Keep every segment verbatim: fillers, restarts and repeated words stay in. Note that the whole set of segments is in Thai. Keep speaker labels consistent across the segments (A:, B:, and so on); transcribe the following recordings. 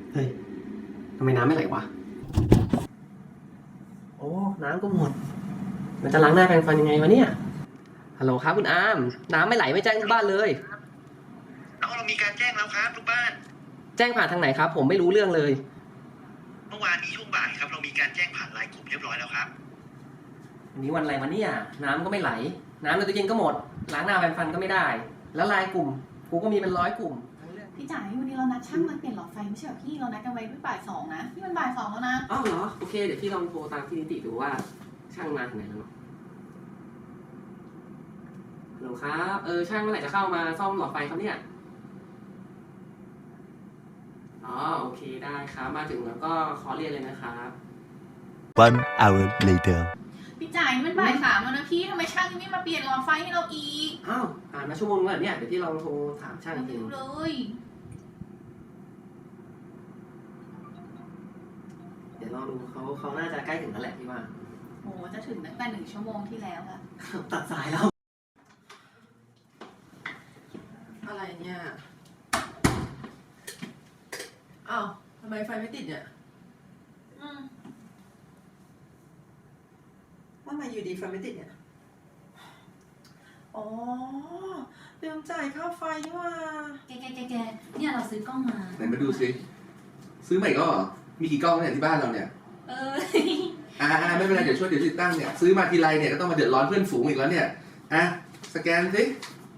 A: เฮ้ยทำไมน้ำไม่ไหลวะโอ้น้ำก็หมดมันจะล้างหน้าแปรงฟันยังไงวะเนี่ยฮัลโหลครับคุณอามน้ำไม่ไหลไม่แจ้งทุกบ้านเลย
B: เอาเรามีการแจ้งแล้วครับทุกบ้าน
A: แจ้งผ่านทางไหนครับผมไม่รู้เรื่องเลย
B: เมื่อวานนี้ช่วงบ่ายครับเรามีการแจ้งผ่านไลน์กลุ่มเรียบร้อยแล้วครับ
A: วันนี้วันอะไรวะเนี่ยน้ำก็ไม่ไหลน้ำในตู้เย็นก็หมดล้างหน้าแปรงฟันก็ไม่ได้แล้วไลน์กลุ่มกูก็มีเป็นร้อยกลุ่ม
C: พี่จ๋าวันนี้เรานัดช่างมาเปลี่ยนหลอดไฟไม่ใช่เหรอพี่เรานัดกันไว้ที่บ่ายสองนะที่มันบ่ายสองแล้วนะ
A: อ้าวเหรอโอเคเดี๋ยวพี่ลองโทรตามที่นิติดูว่าช่างมาถึงไหนแล้วฮัลโหลครับเออช่างเมื่อไหร่จะเข้ามาซ่อมหลอดไฟครับเนี่ยอ๋อโอเคได้ครับมาถึงแล้วก็ขอเรียนเลยนะครับ
D: One hour later
C: พี่จ๋ามันบ่ายสามแล้วนะพี่ทำไมช่างยังไม่มาเปลี่ยนหลอดไฟให้เราอีก
A: อ้าวผ่านมาชั่วโมงนึงแล้วเนี่ยเดี๋ยวพี่ลองโทรถามช่างอีกที
C: เลย
A: เดี๋ยวลองดูเขาเขาน่าจะใกล้ถึงแล้วแหละพี่ว่า
C: โหจะถึงตั้งแต่หนึ่งชั่วโมงที่แล้วอะ
A: ตัดสายแล้ว
E: อะไรเนี่ยอ้าวทำไมไฟไม่ติดเนี่ย
C: อืม
E: ว่ามาอยู่ดีไฟไม่ติดเนี่ยอ๋อลืมจ่ายค่าไฟนี่ว่า
C: แกแกแกแกเนี่ยเราซื้อกล้องมา
B: ไหนมาดูสิซื้อใหม่ก็เหรอมีกี่กล้องเนี่ยที่บ้านเราเนี่ย
C: เออ
B: อ่าไม่เป็นไรเดี๋ยวช่วยเดี๋ยวติดตั้งเนี่ยซื้อมาทีไรเนี่ยก็ต้องมาเดือดร้อนเพื่อนฝูงอีกแล้วเนี่ยอ่ะสแกนสิ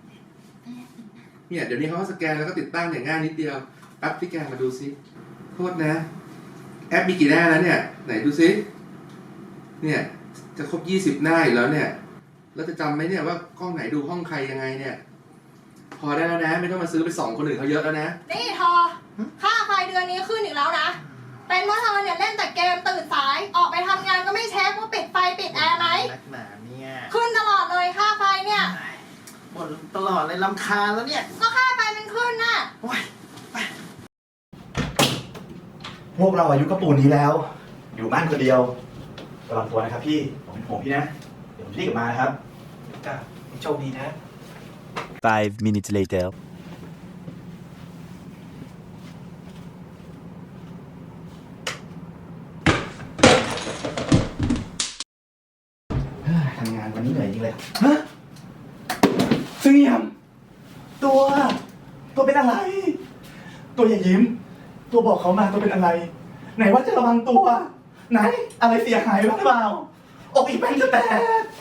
B: เนี่ยเดี๋ยวนี้เขาก็สแกนแล้วก็ติดตั้งเนี่ยง่ายนิดเดียวแอปที่แกมาดูสิโทษนะแอปมีกี่หน้าแล้วเนี่ยไหนดูสิเนี่ยจะครบยี่สิบหน้าอยู่แล้วเนี่ยแล้วจะจำไหมเนี่ยว่ากล้องไหนดูห้องใครยังไงเนี่ยพอได้แล้วนะไม่ต้องมาซื้อไปส่องคนอื่นเขาเยอะแล้วนะ
F: นี่ทอค่าไฟเดือนนี้ขึ้นอีกแล้วนะเป็นเพราะเธอเนี่ยเล่นแต่เกมตื่นสายออกไปทำงานก็ไม่เช็คว่าปิดไฟปิดแอร์ไหม
G: นักหนาเนี่ย
F: ขึ้นตลอดเลยค่าไฟเนี่ย
G: หมดตลอดเลยรำคาญแล้วเนี่ย
F: ก็ค่าไฟมันขึ้นน่ะ
G: โอ้ยไปพวกเราอายุก็ปูนนี้แล้วอยู่บ้านคนเดียวระวังตัวนะครับพี่ผมเป็นห่วงพี่นะเดี๋ยวผมรีบกลับมานะครับจ้าโชคดีนะ
D: Five minutes later
G: ทำงานวันนี้เหนื่อยจริงเลยฮะเสี่ยมตัวตัวเป็นอะไรตัวอย่ายิ้มตัวบอกเขามาตัวเป็นอะไรไหนว่าจะระวังตัวไหนอะไรเสียหายบ้างหรือเปล่าอกอีกเป็นจะแตก